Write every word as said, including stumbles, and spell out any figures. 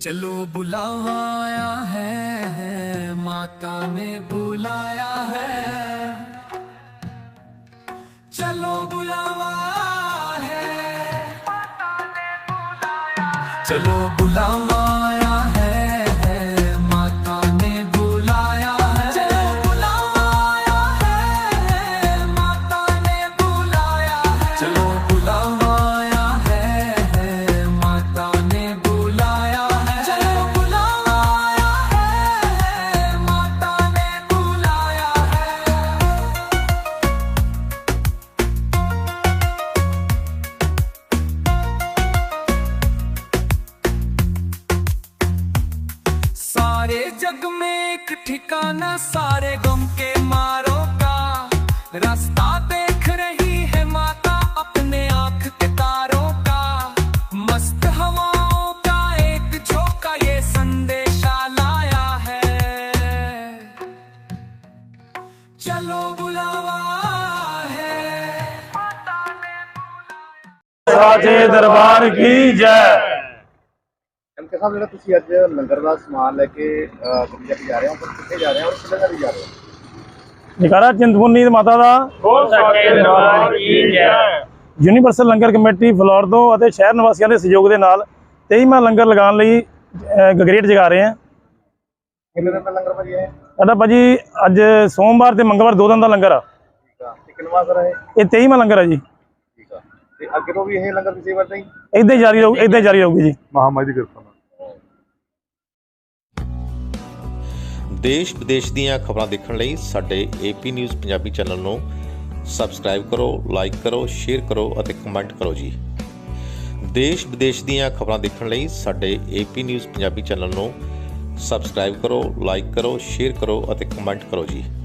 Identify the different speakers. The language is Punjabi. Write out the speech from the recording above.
Speaker 1: चलो बुलावा आया है, माता ने बुलाया है। चलो बुलावा है, चलो बुलावा आया है, माता ने बुलाया है। चलो बुलावा आया है, माता ने बुलाया है। चलो बुलावा आया है, माता ने बुलाया है। चलो बुलावा आया है, माता ने बुलाया है। सारे जग में एक ठिकाना, सारे गम के मारों का। रास्ता देख रही है माता अपने आंख के तारों का। मस्त हवाओं का एक झोंका ये संदेशा लाया है। चलो बुलावा है,
Speaker 2: साचे दरबार की जय।
Speaker 3: ਐਮਕੇ ਸਾਹਿਬ ਜਿਹੜਾ ਤੁਸੀਂ ਅੱਜ ਲੰਗਰ ਦਾ ਸਮਾਨ ਲੈ ਕੇ ਗੱਡੀ ਲੈ ਕੇ ਜਾ ਰਹੇ ਹੋ, ਪਰ ਕਿੱਥੇ ਜਾ ਰਹੇ ਹੋ ਔਰ ਕਿੱਥੇ ਜਾ ਰਹੇ ਹੋ?
Speaker 2: ਜਕਾਰਾ ਚਿੰਤਪੁਰਨੀ ਮਾਤਾ ਦਾ
Speaker 4: ਬੋਲ ਸਕੇ ਦਰਬਾਰ ਕੀ ਜੈ।
Speaker 2: ਯੂਨੀਵਰਸਲ ਲੰਗਰ ਕਮੇਟੀ ਫਲੋਰ ਤੋਂ ਅਤੇ ਸ਼ਹਿਰ ਨਿਵਾਸੀਆਂ ਦੇ ਸਹਿਯੋਗ ਦੇ ਨਾਲ ਤੇਈਵਾਂ ਲੰਗਰ ਲਗਾਉਣ ਲਈ ਅ, ਗਗਰੇਟ ਜਗਾ ਰਹੇ ਹਾਂ।
Speaker 3: ਕਿੰਨੇ ਦਿਨ ਦਾ ਲੰਗਰ ਭਾਜੀ ਹੈ?
Speaker 2: ਸਾਡਾ ਭਾਜੀ ਅੱਜ ਸੋਮਵਾਰ ਤੇ ਮੰਗਲਵਾਰ ਦੋ ਦਿਨ ਦਾ ਲੰਗਰ ਆ।
Speaker 3: ਠੀਕ ਆ, ਤੇ ਕਿੰਨਵਾਂ ਸਰ ਹੈ?
Speaker 2: ਇਹ ਤੇਈਵਾਂ ਲੰਗਰ ਆ ਜੀ।
Speaker 3: ਠੀਕ ਆ, ਤੇ ਅੱਗੇ ਤੋਂ ਵੀ ਇਹ ਲੰਗਰ ਦੀ ਸੇਵਾ ਤਾਂ ਹੀ
Speaker 2: ਇੱਦਾਂ ਹੀ ਜਾਰੀ ਰਹੂ, ਇੱਦਾਂ ਹੀ ਜਾਰੀ ਰਹੂਗੀ ਜੀ।
Speaker 3: ਮਹਾਮਾਰੀ ਦੀ ਕਿਰਪਾ ਨਾਲ।
Speaker 5: ਦੇਸ਼ ਵਿਦੇਸ਼ ਦੀਆਂ ਖਬਰਾਂ ਦੇਖਣ ਲਈ ਸਾਡੇ ਏਪੀ ਨਿਊਜ਼ ਪੰਜਾਬੀ ਚੈਨਲ ਨੂੰ ਸਬਸਕ੍ਰਾਈਬ ਕਰੋ, ਲਾਈਕ ਕਰੋ, ਸ਼ੇਅਰ ਕਰੋ ਅਤੇ ਕਮੈਂਟ ਕਰੋ ਜੀ। ਦੇਸ਼ ਵਿਦੇਸ਼ ਦੀਆਂ ਖਬਰਾਂ ਦੇਖਣ ਲਈ ਸਾਡੇ ਏਪੀ ਨਿਊਜ਼ ਪੰਜਾਬੀ ਚੈਨਲ ਨੂੰ ਸਬਸਕ੍ਰਾਈਬ ਕਰੋ, ਲਾਈਕ ਕਰੋ, ਸ਼ੇਅਰ ਕਰੋ ਅਤੇ ਕਮੈਂਟ ਕਰੋ ਜੀ।